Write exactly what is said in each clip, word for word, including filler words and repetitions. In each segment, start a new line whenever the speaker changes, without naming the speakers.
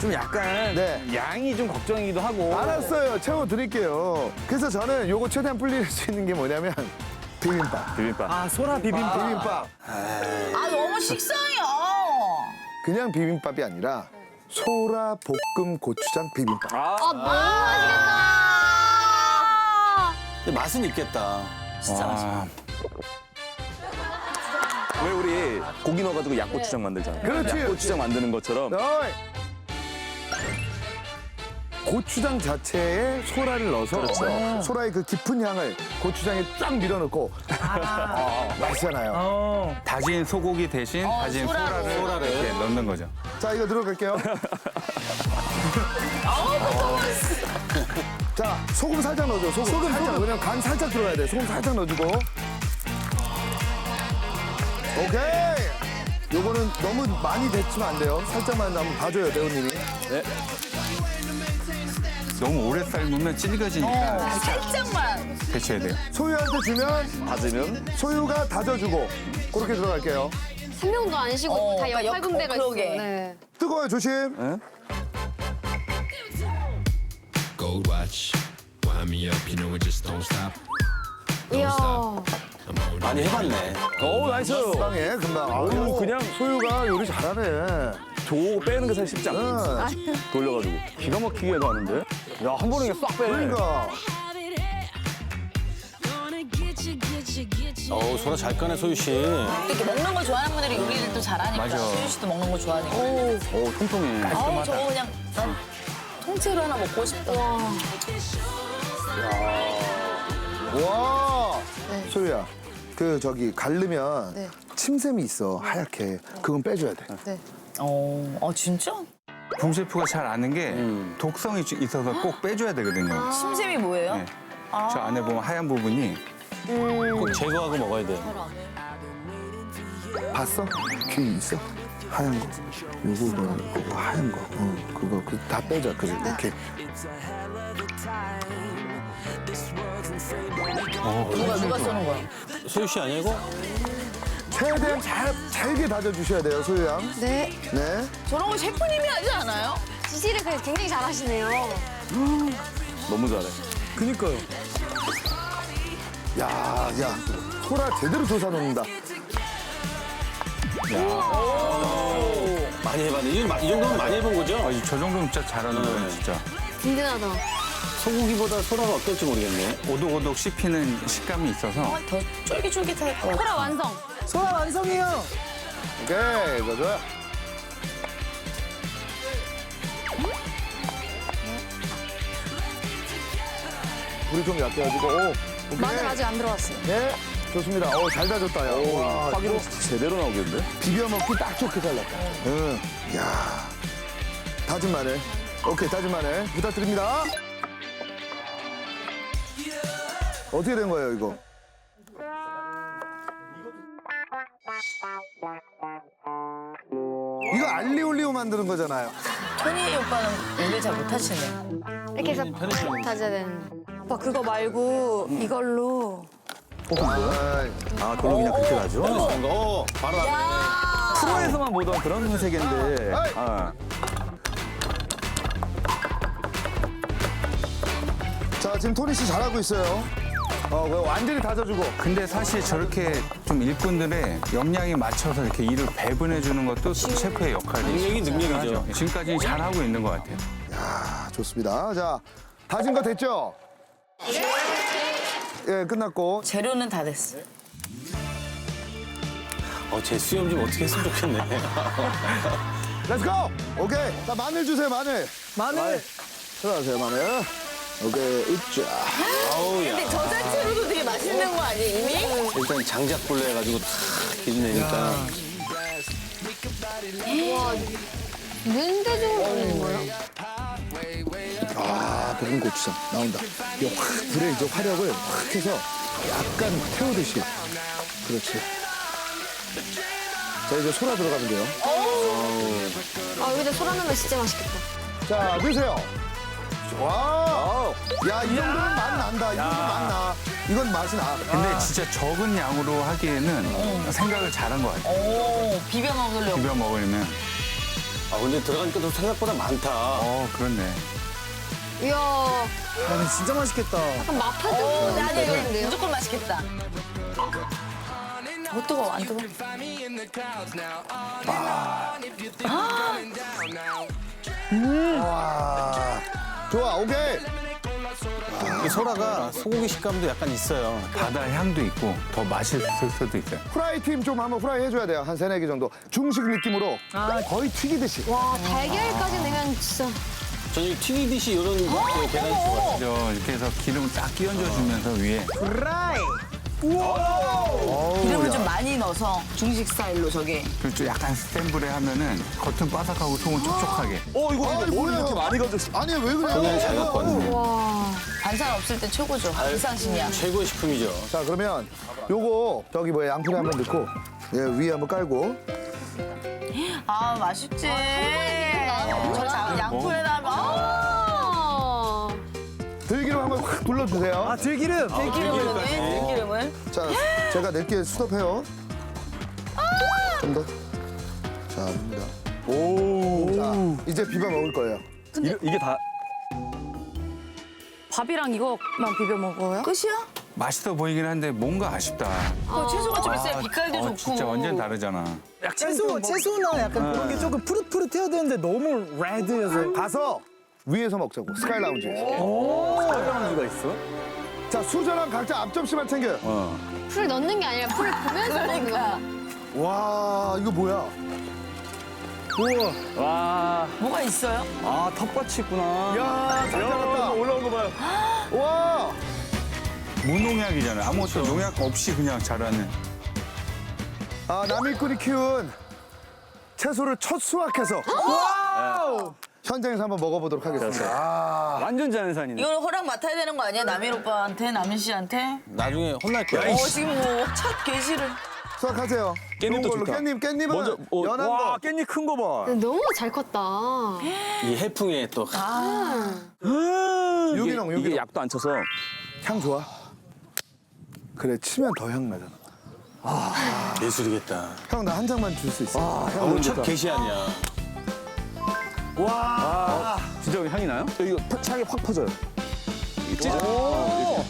좀 약간
네.
양이 좀 걱정이기도 하고.
알았어요. 채워드릴게요. 그래서 저는 요거 최대한 불릴 수 있는 게 뭐냐면 비빔밥.
비빔밥. 아, 소라 비빔밥.
비빔밥.
아 너무 식상해요.
그냥 비빔밥이 아니라 소라 볶음 고추장 비빔밥.
아,
아, 너무 맛있겠다.
근데 맛은 있겠다.
진짜 맛있어.
왜 우리 고기 넣어가지고 약고추장 만들잖아요.
그렇지.
약고추장 만드는 것처럼.
어이. 고추장 자체에 소라를 넣어서
그렇죠.
소라의 그 깊은 향을 고추장에 쫙 밀어넣고 어, 맛있잖아요.
다진 소고기 대신
어,
다진
소라로.
소라를,
소라를.
이렇게 넣는 거죠.
자, 이거 들어갈게요. 자, 소금 살짝 넣어줘. 소금, 소금 살짝. 그냥 간 살짝 들어가야 돼. 소금 살짝 넣어주고. 오케이. 요거는 너무 많이 데치면 안 돼요. 살짝만 한번 봐줘요, 배우님이.
너무 오래 삶으면 질겨지니까
어,
살짝
살짝만.
데쳐야 돼요.
소유한테 주면
다지면.
소유가 다져주고. 그렇게 들어갈게요.
한 명도 안 쉬고
어,
다
그러니까
옆팔 군데가 있어.
그러게.
네.
뜨거워요, 조심.
Gold watch, wind me up, you know it just don't stop.
이야.
많이 해봤네.
오, 나이스.
금방에, 금방.
오,
아유,
그냥
소유가 요리 잘하네.
조 빼는 게 사실 쉽지 않아.
응.
돌려가지고. 기가 막히게 해도 하는데. 야, 한 번에 그냥 싹 빼.
그러니까.
어우, 소라 잘 까네, 소유 씨.
이렇게 먹는 걸 좋아하는 분들이 요리를 또 잘하니까.
맞아.
수유 씨도 먹는 거 좋아하니까.
오, 통통해.
아우 저거 그냥 난 통째로 하나 먹고 싶다.
와.
네.
소유야, 그 저기 갈르면
네.
침샘이 있어, 하얗게. 그건 빼줘야 돼.
네.
어, 아 진짜?
붐 셰프가 잘 아는 게 독성이 있어서 꼭 빼줘야 되거든요.
심샘이 뭐예요?
네. 저 안에 보면 하얀 부분이
꼭 제거하고 먹어야 돼.
봤어? 귀 있어? 하얀 거. 요거, 뭐, 그거 하얀 거. 어, 그거, 그 다 빼줘. 그래, 이렇게.
누가 누가 써는 거야?
소유 씨 아니야, 이거?
최대한 잘, 잘게 다져주셔야 돼요, 소유 양.
네.
네.
저런 거 셰프님이 하지 않아요?
지시를 그래도 굉장히 잘하시네요.
너무 잘해.
그니까요. 야, 야. 소라 제대로 조사 놓는다.
많이 해봤네. 이, 이 정도면 많이 해본 거죠?
아, 저 정도면 진짜 잘하는 거예요, 진짜.
든든하다.
소고기보다 소라가 어떨지 모르겠네.
오독오독 씹히는 식감이 있어서
더 쫄깃쫄깃할 것 같아.
소라 완성.
소라 완성이요. 오케이, 이거 좋아. 불이 좀 약해가지고, 오. 오케이.
마늘 아직 안 들어갔어요.
네, 좋습니다. 오, 잘 다졌다, 야. 와,
파기로 제대로 나오겠는데?
비벼 먹기 딱 좋게 잘랐다. 응. 야. 다진 마늘. 오케이, 다진 마늘. 부탁드립니다. 어떻게 된 거예요, 이거? 이거 알리올리오 만드는 거잖아요.
토니 오빠는 요리 잘 못하시네.
이렇게 해서 다져야 되는. 오빠 그거 말고 이걸로.
아,
아, 그걸로 그냥 그렇게 나죠?
그런 거. 어, 바로 나.
프로에서만 보던 그런 색인데.
아이.
아.
자, 지금 토니 씨 잘하고 있어요. 어, 그거 완전히 다져주고.
근데 사실 저렇게 좀 일꾼들의 역량에 맞춰서 이렇게 일을 배분해 주는 것도 셰프의 역할이
능력이 능력이죠.
하죠. 지금까지는 잘하고 있는 것 같아요.
아, 좋습니다. 자, 다진 거 됐죠? 예, 끝났고.
재료는 다 됐어.
어, 제 수염 좀 어떻게 했으면 좋겠네.
렛츠고! 오케이. 자, 마늘 주세요, 마늘. 마늘. 들어가세요, 마늘. 오케이, 으쌰.
아우, 야.
근데 저 자체로도 되게 맛있는 거 아니에요, 이미?
일단 장작불로 해가지고 탁 기내니까.
눈대중을 올리는 거예요?
아, 볶은 고추장 나온다. 이거 확, 불에 이제 화력을 확 해서 약간 태우듯이. 그렇지. 자, 이제 소라 들어가면 돼요.
아, 여기다 소라 넣으면 진짜 맛있겠다.
자, 넣으세요. 와. 야, 이 정도면 맛 난다. 이 정도면 맛 나. 이건 맛이 나.
근데 진짜 적은 양으로 하기에는 생각을 잘한 것 같아요.
오, 비벼 먹으려고.
비벼 먹으려면.
아, 근데 들어가니까 또 생각보다 많다.
어, 그렇네.
이야,
야, 진짜 맛있겠다.
약간 마파도
오, 나는
느낌인데요?
무조건 맛있겠다. 어, 뜨거워, 안 뜨거워.
와. 좋아, 오케이.
이 소라가 소고기 식감도 약간 있어요.
바다 향도 있고 더 맛있을 수도 있어요.
프라이 팀 좀 한번 프라이 해줘야 돼요. 한 세네 개 정도. 중식 느낌으로 거의 튀기듯이.
와, 달걀까지 넣으면 진짜.
저는 이 튀기듯이 이런 그 계란 좋아해요.
그죠? 이렇게 해서 기름 딱 끼얹어 주면서 위에
프라이.
기름을 좀 많이 넣어서 중식 스타일로 저게.
그리고 좀 약간 센불에 하면은 겉은 바삭하고 속은 촉촉하게.
어, 이거 근데 뭘 이렇게 많이 가졌어? 아니, 왜 그래?
그냥 잘 갖고 왔네.
와.
반찬 없을 때 최고죠. 비상식이야.
최고의 식품이죠.
자, 그러면 요거 저기 뭐야 양푼에 한번 넣고 예, 위에 한번 깔고
아, 맛있지. 저 자- 양푼에 나면
아.
들기름 한번 확 둘러주세요.
아, 들기름.
들기름을 넣네. 들기름을.
자, 제가 낼게 수납해요. 좀 더. 자, 합니다. 오. 자, 이제 비벼 먹을 거예요.
이게, 이게 다
밥이랑 이거만 비벼 먹어요?
끝이야?
맛있어 보이긴 한데 뭔가 아쉽다.
그 채소가 좀 있어야 빛깔도
어,
좋고.
진짜 완전 다르잖아.
채소, 채소나 약간 그런 게 조금 푸릇푸릇해야 되는데 너무 레드여서.
가서 위에서 먹자고. 스카이 라운지에서.
사이라운지가 있어?
자, 수저랑 각자 앞접시만 챙겨요.
풀 넣는 게 아니라 풀을 보면서 먹는 거야.
와, 이거 뭐야?
우와.
와,
뭐가 있어요?
아, 텃밭이 있구나.
야, 잘 잡았다.
올라온 거 봐요.
와.
무농약이잖아. 아무것도 농약 없이 그냥 자라는.
아, 남일꾼이 키운 채소를 첫 수확해서
와우.
현장에서 한번 먹어보도록 하겠습니다. 아,
완전 자연산이네.
이거는 허락 맡아야 되는 거 아니야? 남일 오빠한테, 남일 씨한테?
나중에 혼날 거야.
어, 지금 뭐 첫 게시를.
수확하세요.
깻잎도
좋은 걸로.
좋다.
깻잎, 깻잎은
먼저, 어,
연한
와,
거.
깻잎 큰 거 봐.
너무 잘 컸다.
이 해풍에 또.
유기농,
이게
유기농.
약도 안 쳐서.
향 좋아? 그래, 치면 더 향 나잖아.
예술이겠다.
형, 나 한 장만 줄 수 있어?
아,
형,
오늘 첫 게시 아니야.
와, 진짜 여기 향이 나요? 이거 팍- 향이 확 퍼져요. 이게 찢어.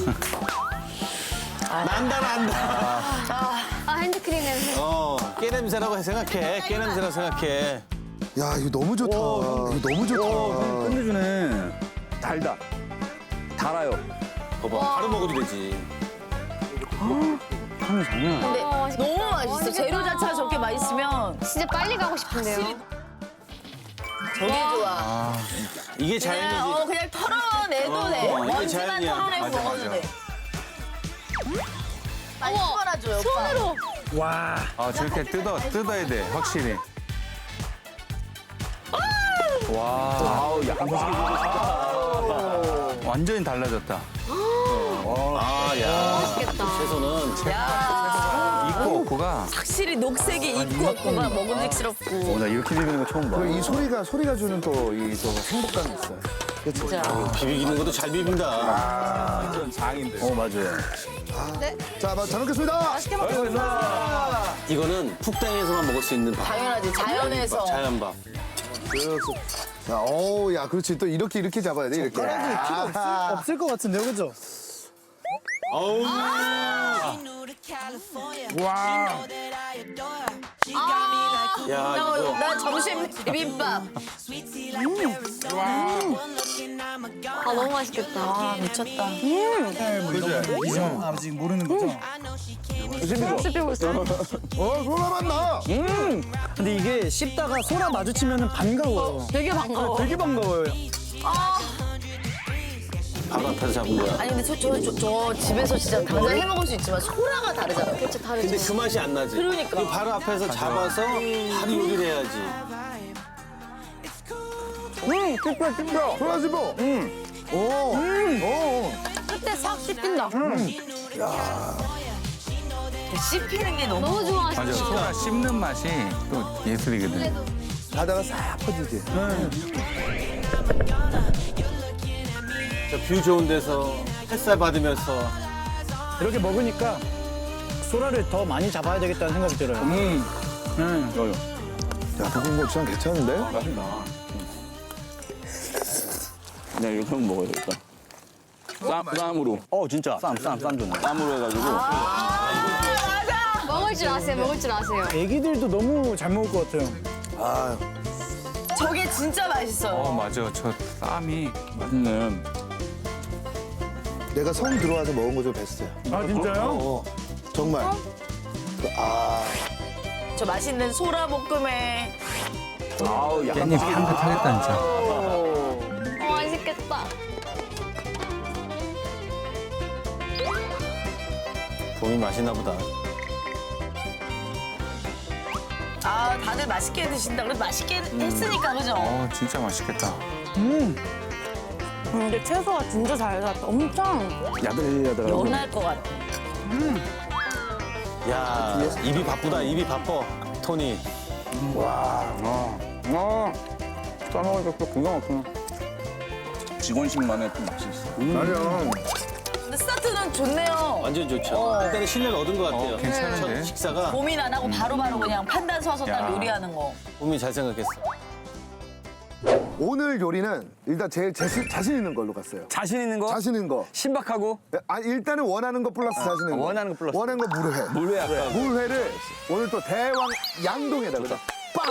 난다, 난다.
아, 핸드크림 냄새.
어, 깨 냄새라고 생각해. 깨 냄새라고 생각해.
야, 이거 너무 좋다. 이거 너무 좋다.
끝내주네. 달다. 달아요.
봐봐, 바로 먹어도 되지.
향이 장난 아니야.
근데
어, 맛있겠다.
너무 맛있어.
맛있겠다.
재료 자체가 저렇게 맛있으면
진짜 빨리 가고 싶은데요.
저게 좋아.
이게
그냥,
자연이지.
어, 그냥 털어내도 돼.
어, 이게
먼지만
자연이야.
털어내고
맞아,
먹어도
맞아.
돼. 많이 털어줘요, 오빠.
손으로.
와.
아, 저렇게 뜯어, 뜯어야 돼, 확실히.
와, 아우, 약간 소식이
완전히 달라졌다.
아, 야.
맛있겠다.
채소는.
야,
있고 없고가
확실히 녹색이 있고 없고가 먹음직스럽고.
어, 나 이렇게 비비는 거 처음 봐.
그리고 이 소리가, 소리가 주는 또 이 또 행복감이 있어요. 그치?
진짜.
비비기는 것도 잘 비빈다.
어, 맞아요.
자, 마- 잘 먹겠습니다.
맛있게 먹겠습니다.
이거는 푹당에서만 먹을 수 있는 밥.
당연하지. 자연에서.
자연밥.
자, 어우, 야, 그렇지. 또 이렇게, 이렇게 잡아야 돼, 이렇게. 아하.
없을 것 같은데요, 그죠?
어우.
와.
야,
나,
이거.
나 점심 비빔밥.
아, 너무 맛있겠다.
아, 미쳤다.
이정 아직 모르는 거죠?
씹히고 있어.
어, 소라 맛 나.
근데 이게 씹다가 소라 마주치면 반가워요.
되게 반가워.
되게 반가워요.
바로 앞에서 잡은 거야.
아니, 근데 저, 저, 저, 저 집에서 진짜 당장 해 먹을 수 있지만 소라가 다르잖아.
그치, 다르지.
근데 그 맛이 안 나지.
그러니까.
이거 바로 앞에서 잡아서 바로 요리를 해야지.
음, 씹혀, 씹혀.
소라 씹어. 응. 오. 오.
끝에 싹 씹힌다.
씹히는 게 너무.
너무 좋아.
맞아, 소라 씹는 맛이 또 예술이거든.
가다가 싹 퍼지지.
저 뷰 좋은 데서 햇살 받으면서
이렇게 먹으니까 소라를 더 많이 잡아야 되겠다는 생각이 들어요.
음, 음, 여요.
야, 볶음고추장 괜찮은데?
맛있다. 그냥 이렇게 먹어야겠다. 쌈, 쌈으로.
어 진짜 쌈 쌈 쌈 좋네.
쌈으로 해가지고.
먹을 줄 아세요, 먹을 줄 아세요.
애기들도 너무 잘 먹을 것 같아요.
아,
저게 진짜 맛있어요.
어 맞아. 저 쌈이
맛있네.
내가 성 들어와서 먹은 거 중 베스트야.
아 진짜요?
어, 정말. 아,
저 맛있는 소라볶음에
아우, 약간
깻잎 향긋하겠다 진짜.
어, 맛있겠다.
봄이 맛있나 보다.
아 다들 맛있게 드신다. 그래도 맛있게 했으니까 그죠?
어 진짜 맛있겠다.
근데 채소가 진짜 잘 샀다. 엄청.
야들야들하고.
연할 것 같아.
야 입이 바쁘다 입이 바빠 토니.
아, 싸먹으니까 또 기가 막히네. 직원식만의 또 맛이 있어.
맞아.
근데 스타트는 좋네요.
완전 좋죠. 일단은 신뢰를 얻은 것 같아요.
어, 괜찮은데?
첫 식사가
고민 안 하고 바로바로 그냥 판단 서서 딱
야.
요리하는 거.
봄이 잘 생각했어.
오늘 요리는 일단 제일 자신, 자신 있는 걸로 갔어요.
자신 있는 거?
자신 있는 거.
신박하고
아, 일단은 원하는 거 플러스 자신 있는 거.
원하는 거 플러스.
원하는 거 물회.
물회 아까.
물회를 오늘 또 대왕 양동에다 그죠? 빵!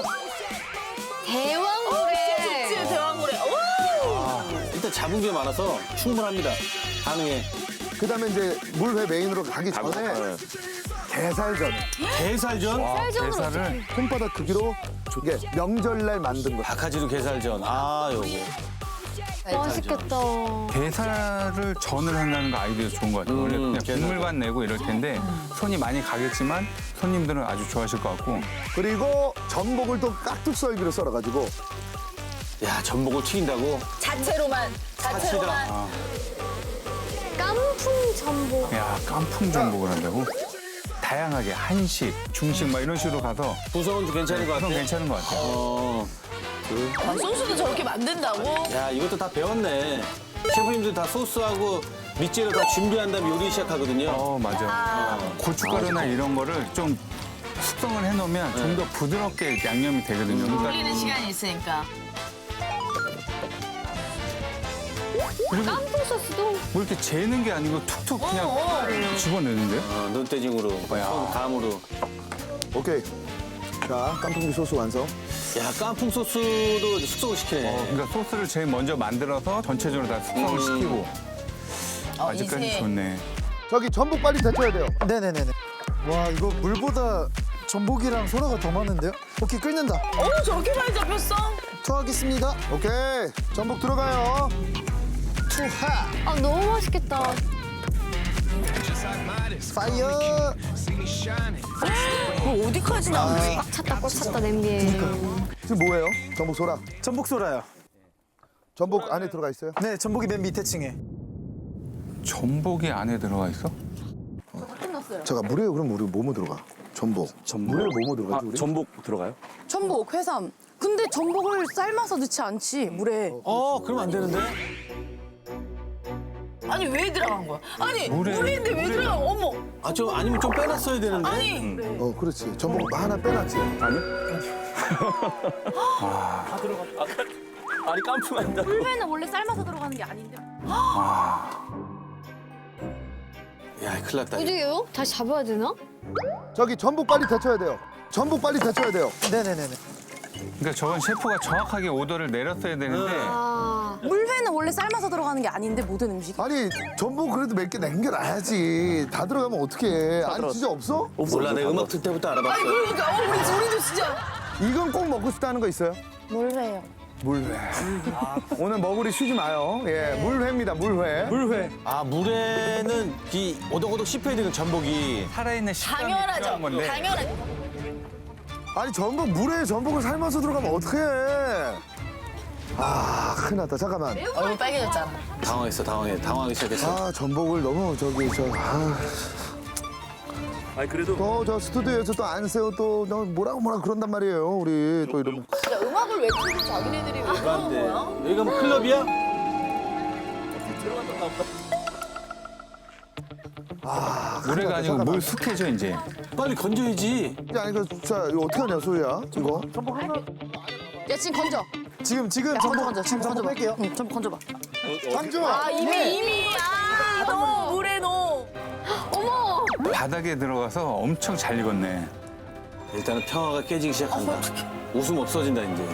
대왕물에.
그치 대왕물에. 오!
일단 잡은 게 많아서 충분합니다. 가능해.
그다음에 이제 물회 메인으로 가기 전에
네.
게살전.
게살전?
게살을
손바닥 크기로 이게 명절날 만든 거.
바카지루 게살전. 아 요거.
맛있겠다.
게살을 전을 한다는 거 아이디어 좋은 것 같아요. 원래
음,
그냥
게살.
국물만 내고 이럴 텐데 손이 많이 가겠지만 손님들은 아주 좋아하실 것 같고.
그리고 전복을 또 깍둑썰기로 썰어가지고
야 전복을 튀긴다고?
자체로만 자체로만.
사치다.
깐풍 전복.
야 깐풍 전복을 한다고? 다양하게 한식, 중식 막 이런 식으로 가서
구성은 괜찮은 것
그건
같아.
괜찮은 것 같아요.
어.
아, 소스도 저렇게 만든다고?
야 이것도 다 배웠네. 셰프님들 다 소스하고 밑재료 다 준비한 다음에 요리 시작하거든요.
어 맞아. 고춧가루나 이런 거를 좀 숙성을 해놓으면 좀 더 부드럽게 양념이 되거든요. 그러니까
돌리는 시간이 있으니까.
깐풍 소스도.
뭐 이렇게 재는 게 아니고 툭툭 그냥
어, 어.
집어넣는데요?
어, 눈대중으로 손 감으로.
오케이. 자, 깐풍기 소스 완성.
야 깐풍 소스도 숙성을 시키네.
어, 그러니까 소스를 제일 먼저 만들어서 전체적으로 다 숙성을 시키고
어,
아직까지
이제
좋네.
저기 전복 빨리 데쳐야 돼요.
네네네네. 와 이거 물보다 전복이랑 소라가 더 많은데요? 오케이 끓는다.
어 저렇게 많이 잡혔어?
투하겠습니다.
오케이. 전복 들어가요.
투하.
아, 너무 맛있겠다.
파이어.
그 어디까지 나오지?
꽉 찼다, 꽉 찼다, 냄비에.
지금 뭐예요? 전복 소라.
전복 소라요.
전복 안에 들어가 있어요?
네 전복이 맨 밑에 층에.
전복이 안에 들어가 있어?
잠깐 물에 그럼 우리 뭐뭐 들어가? 전복.
전복?
물에 뭐뭐 들어가지
아,
우리?
전복 들어가요?
전복, 회삼. 근데 전복을 삶아서 넣지 않지, 물에.
어 그럼 안 되는데?
아니 왜 들어간 거야? 아니
물에-
물인데 왜 들어가? 어머.
아 좀 아니면 좀 빼놨어야 되는데.
아니
어, 그렇지. 전복 하나 빼놨지.
아니 깐풍한다.
물회는 원래 삶아서 들어가는 게 아닌데.
야 큰일 났다.
어디게요? 다시 잡아야 되나?
저기 전복 빨리 데쳐야 돼요. 전복 빨리 데쳐야 돼요.
네네네네.
그러니까 저건 셰프가 정확하게 오더를 내렸어야 되는데
아.
물회는 원래 삶아서 들어가는 게 아닌데, 모든 음식이.
아니 전복 그래도 몇 개 남겨놔야지. 다 들어가면 어떡해. 아니 진짜 없어?
몰라 내가 음악 틀 때부터
아니
알아봤어.
그러니까 어 우리 우리도 진짜.
이건 꼭 먹고 싶다는 거 있어요?
물회요.
물회. 오늘 먹으리 쉬지 마요. 예, 물회입니다. 물회.
물회.
아 물에는 이 오독오독 씹혀야 되는 전복이.
살아있는 식감이
당연하죠.
필요한 건데
당연하죠.
아니 전복 물에 전복을 삶아서 들어가면 어떡해. 아 큰일 났다. 잠깐만.
얼굴 빨개졌잖아.
당황했어 당황해 당황하기 시작했어.
아 전복을 너무 저기 저 아.
아니 그래도
또저 스튜디오에서 또 안 세워 또 너 뭐라고 뭐라고 그런단 말이에요. 우리 또 이러면.
진짜 음악을 왜 틀고 자기네들이 왜 그러는 거야?
여기가 뭐 클럽이야?
노래가 아니고 물 숙해져 이제.
빨리 건져야지.
야, 아니, 그, 자, 이거 어떻게 하냐, 소희야? 이거.
야 지금 건져.
지금 지금
야
전복
건져 건져. 지금
전복
건져봐.
뺄게요.
응, 전복 건져봐.
장주!
아 이미 이미 아 넣어 물에 넣어.
어머.
바닥에 들어가서 엄청 잘 익었네.
일단은 평화가 깨지기 시작한다. 웃음 없어진다 이제.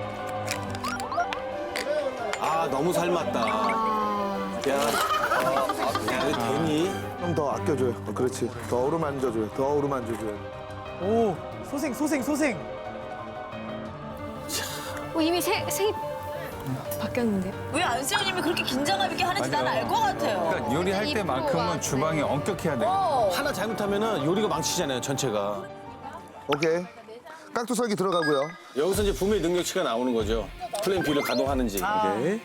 아 너무 삶았다. 야, 야 이거 되니?
좀 더 아껴줘요. 어, 그렇지. 더 어루만져줘요. 더 어루만져줘요.
오 소생 소생 소생.
어, 이미 색, 색이 바뀌었는데.
왜 안세현님이 그렇게 긴장감 있게 하는지 난 알 것 같아요.
그러니까 요리할
이쁜 것
때만큼은
같아.
주방이 엄격해야 돼.
어.
하나 잘못하면은 요리가 망치잖아요 전체가.
오케이. 깍두썰기 들어가고요.
여기서 이제 부모의 능력치가 나오는 거죠. 플랜 B를 가동하는지. 오케이.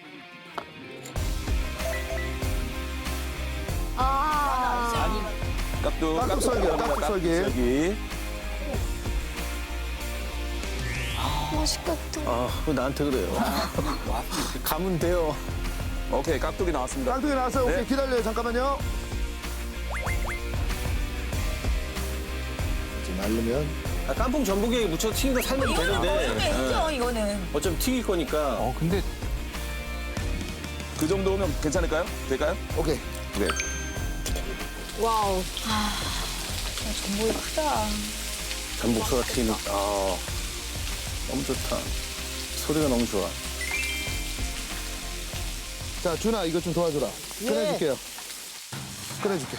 아.
깍두
깍두썰기요, 깍두썰기.
여기.
맛있겠다.
아, 왜 나한테 그래요? 가면 돼요.
오케이, 깍두기 나왔습니다.
깍두기 나왔어요. 오케이,
네.
기다려요. 잠깐만요. 이제 말르면.
아, 깐풍 전복에 묻혀 튀긴 거 살면 되는데.
이거는 했죠 이거는.
어차피 튀길 거니까.
어 근데
그 정도면 괜찮을까요? 될까요?
오케이.
네.
와우.
전복이 크다.
전복 소가 튀는. 아, 너무 좋다. 소리가 너무 좋아.
자, 준아, 이거 좀 도와줘라. 꺼내줄게요. 꺼내줄게.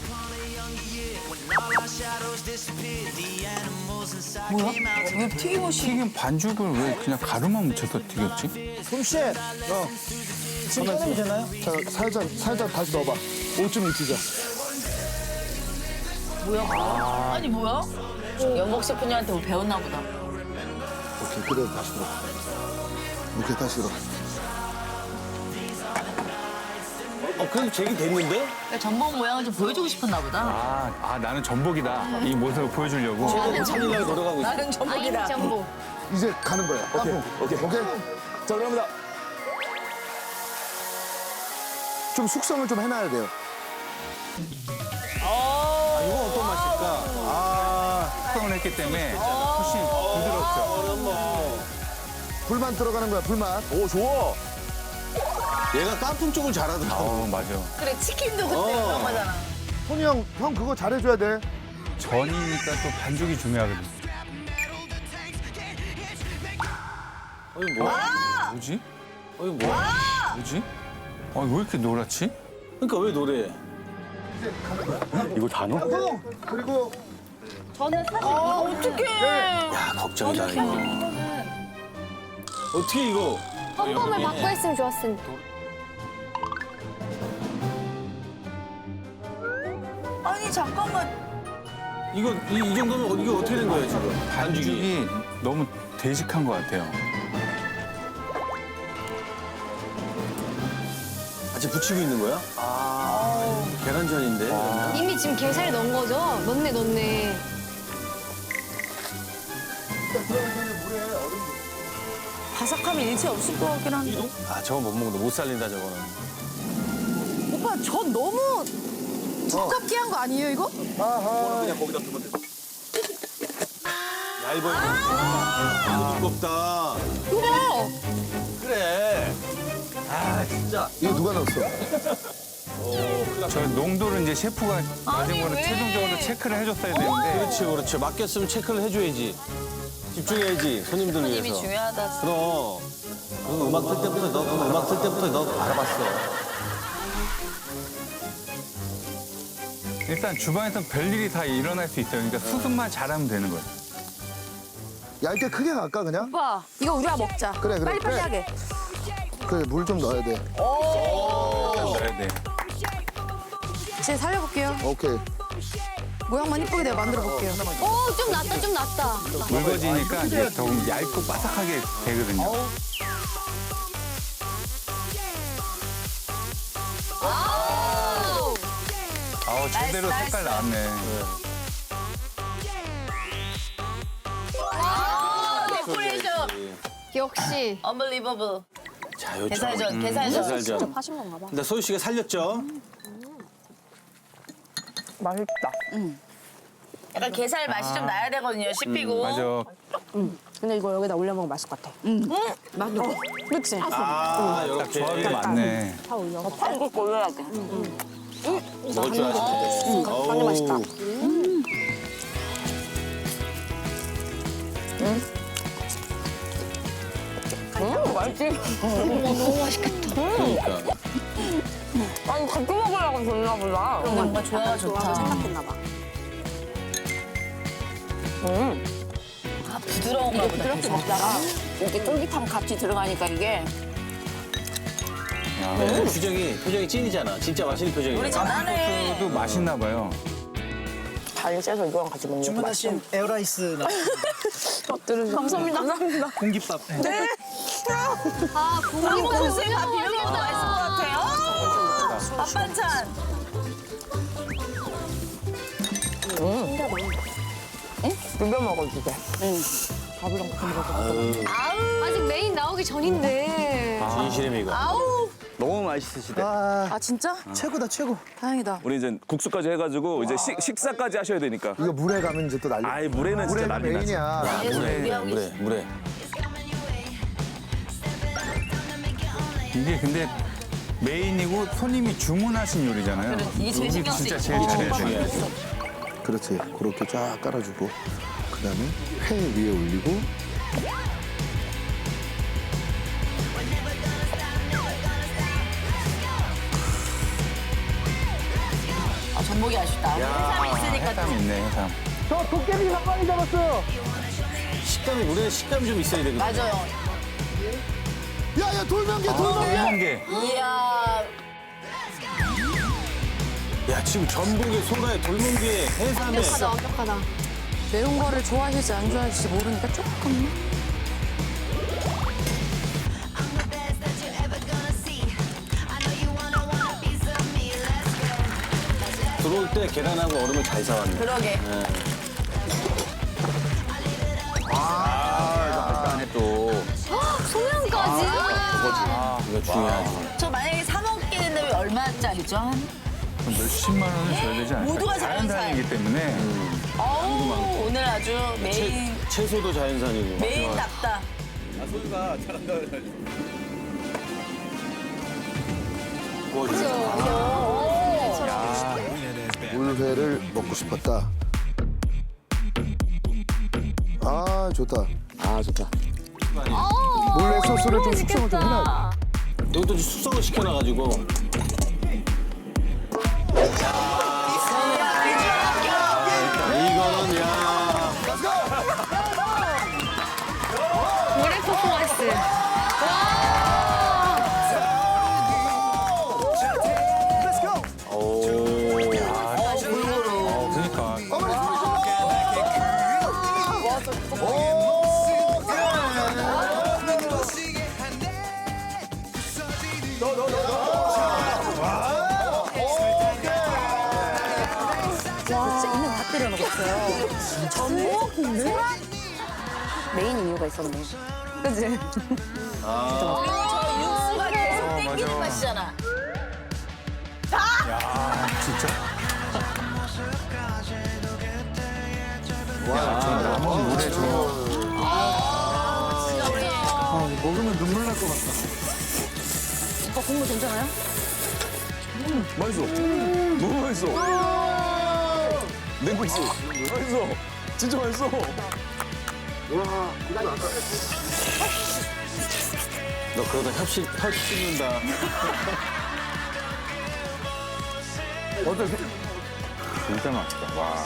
뭐야? 왜 튀김옷이?
튀긴 반죽을 왜 그냥 가루만 묻혀서 튀겼지?
솜씨. 어. 지금 꺼내면 되나요?
자, 살짝, 살짝 다시 넣어봐. 옷 좀 입히자.
뭐야? 아니 뭐야? 연복 셰프님한테 뭐 배웠나 보다.
오케이, 그대로 다시 들어. 오케이, 다시 들어.
어, 그래도 제기 됐는데?
그러니까 전복 모양을 좀 보여주고 싶었나 보다.
아, 아 나는 전복이다. 이 모습을 보여주려고.
최대한 살리려고 노력하고 있어.
나는
아임
전복이다.
전복.
이제 가는 거야. 오케이, 오케이. 오케이.
자, 그럽니다.
좀 숙성을 좀 해놔야 돼요.
아, 이건 어떤 맛일까? 아,
숙성을 했기 때문에 훨씬 부드럽죠.
불만 들어가는 거야, 불만.
오, 좋아.
얘가 깐풍 쪽을 잘하더라고.
어 맞아.
그래 치킨도 그때
어.
그런 거잖아.
손이 형, 형 그거 잘해줘야 돼.
전이니까 또 반죽이 중요하거든.
어이 뭐야?
뭐지?
어이 뭐야?
뭐지? 아, 왜 이렇게 노랗지?
그러니까 왜 노래?
이거 다 넣어?
형, 그리고
아 어떡해.
야, 걱정이다 이거. 어떻게 이거?
펌펌을 받고 했으면 좋았을 텐데.
아니 잠깐만.
이거 이, 이 정도면 이거 어떻게 된 거예요 지금? 반죽이.
반죽이 너무 되직한 것 같아요.
아직 붙이고 있는 거야? 아, 계란전인데. 그러면?
이미 지금 게살이 넣은 거죠? 넣네, 넣네.
바삭함이 일체 없을 것 같긴 한데.
아, 저건 못 먹는다. 못 살린다 저거는.
오빠 저 너무 두껍게 한 거 아니에요 이거?
그냥 거기다 두면 돼.
얇아. 아, 두껍다.
이거
그래. 아, 진짜.
이거 누가 넣었어?
저 농도를 이제 셰프가 마지막으로
왜?
최종적으로 체크를 해줬어야 되는데
그렇지, 그렇지. 맡겼으면 체크를 해줘야지. 집중해야지, 손님들
손님이
위해서.
중요하다.
그럼. 그 음악 틀 때부터 너, 그 음악 틀 때부터 너 알아봤어.
일단 주방에서 별일이 다 일어날 수 있어요. 그러니까 수습만 잘하면 되는 거예요.
얇게 크게 갈까 그냥?
오빠 이거 우리가 먹자.
그래, 그래,
빨리빨리
그래.
하게.
그래, 물 좀 넣어야 돼.
넣어야 돼.
제 살려볼게요.
오케이.
모양만 이쁘게 내가 만들어 볼게요.
오, 좀 낫다, 좀 낫다.
묽어지니까 이제 더 얇고 바삭하게 되거든요. 아우, 제대로
나이스,
색깔
나이스.
나왔네.
아, 데코레이션.
역시.
Unbelievable.
자, 요즘. 음,
음. 게살전, 음. 아, 음. 어, 게살전.
음.
음.
하신 건가 봐.
근데 소유 씨가 살렸죠?
맛있다.
약간 게살 맛이 좀 나야 되거든요. 씹히고.
맞아.
근데 이거 여기다 올려 먹으면 맛있을 것 같아. 응. 맞아. 그치?
아, 이렇게
조합이 많네.
파 올려.
파 이거 올려야 돼.
먹을 줄 아시네.
완전 맛있다.
그러니까.
아니 같이 먹으려고 줬나 보다.
그런 거 뭔가 좋아가 좋다.
생각했나 봐.
아, 부드러운가 보다.
이렇게 먹다가 이렇게 쫄깃함 같이 들어가니까 이게
네, 표정이, 표정이 찐이잖아. 진짜 맛있는 표정이야.
우리 잘하네.
또 맛있나 봐요.
잘 째서 이거랑 같이 먹는 거
주문하신 에어라이스 나
감사합니다. 감사합니다.
공깃밥. 네.
아,
한국
국물
소스에 밥 비벼 먹어도 맛있을 것 같아요. 밥 반찬.
비벼 먹어주게. 응. 밥이랑 같이 먹어.
아직 메인 나오기 전인데.
진실의 미가.
아우.
너무 맛있으시대.
아,
아 진짜?
최고다 최고.
다행이다.
우리 이제 국수까지 해가지고 이제 식, 식사까지 하셔야 되니까.
이거 물에 가면 이제 또 난리.
아이 물에는 진짜
물에가
난리 나지.
메인이야.
물에, 물에, 물에.
이게 근데 메인이고 손님이 주문하신 요리잖아요.
이게 제일
여기
신경
진짜
쓰이고.
제일 잘해야 돼.
그렇지. 그렇게 쫙 깔아주고 그다음에 회 위에 올리고
아, 전복이 아쉽다. 해삼이 있으니까
해삼 있네, 해삼.
저 도깨비 닭발이 잡았어요.
식감이, 물에 식감이 좀 있어야 되거든.
맞아요.
야야 돌면개 돌면개.
한 개.
이야.
야, 지금 전복에, 소라에, 돌문기에, 해삼에.
완벽하다, 완벽하다.
매운 거를 좋아하실지 안 좋아하실지 모르니까 조금만.
들어올 때 계란하고 얼음을 잘 사왔네.
그러게.
안에 또.
소면까지.
이거 중요하지.
저 만약에 사 먹게 된다면 얼마짜리죠? 한?
몇십만 원을 줘야 되지 않을까?
모두가 자연산.
자연산이기 때문에.
어우, 오늘 아주 메인,
채소도 자연산이고.
메인답다.
물회를 먹고 싶었다. 아 좋다.
아, 좋다.
물회 소스를 좀 숙성을 좀 해놔.
이것도 숙성을 시켜놔가지고. 이거는, 야.
물에 퍼포먼스.
오.
어, 그러니까.
와 진짜 있는 다 때려 먹었어요. 전복? 소라? 메인 이유가 있었네. 그치?
저 육수가 계속 땡기는 맛이잖아.
진짜? 와, 저 남은 물에 저.
아, 먹으면 눈물 날 것 같다.
오빠 국물 괜찮아요?
맛있어. 너무 맛있어. 냉국수. 맛있어. 진짜 맛있어.
너 그러다 협식, 혀 씹는다.
어떻게? 진짜 맛있다. 와.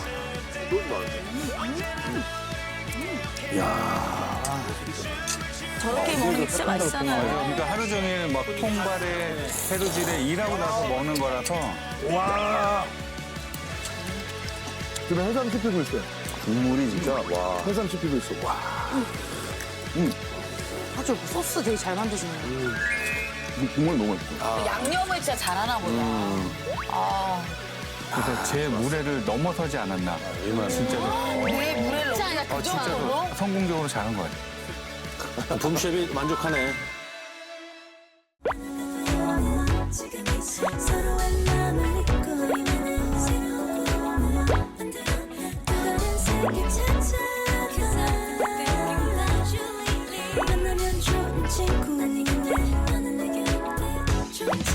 저렇게 먹으면 진짜 맛있잖아요.
그러니까 하루 종일 막 통발에 해루질에 일하고 나서 먹는 거라서. 와.
지금 해삼 씹히고 있어요.
국물이 진짜 와.
해삼 씹히고 있어. 와.
아주 소스 되게 잘 만드시네요.
국물 너무 맛있어.
양념을 진짜 잘하나 보다. 아,
그래서 제 무례를 넘어서지 않았나. 진짜로.
내 물에 넣고
어,
그
진짜로
정도로?
성공적으로 잘한 것 같아요.
붐셰프 만족하네.
지금 이 서로의 마음을 잊고 있는 새로운 만나면 좋은 친구 아니겠네 너는 내게 어때 좋은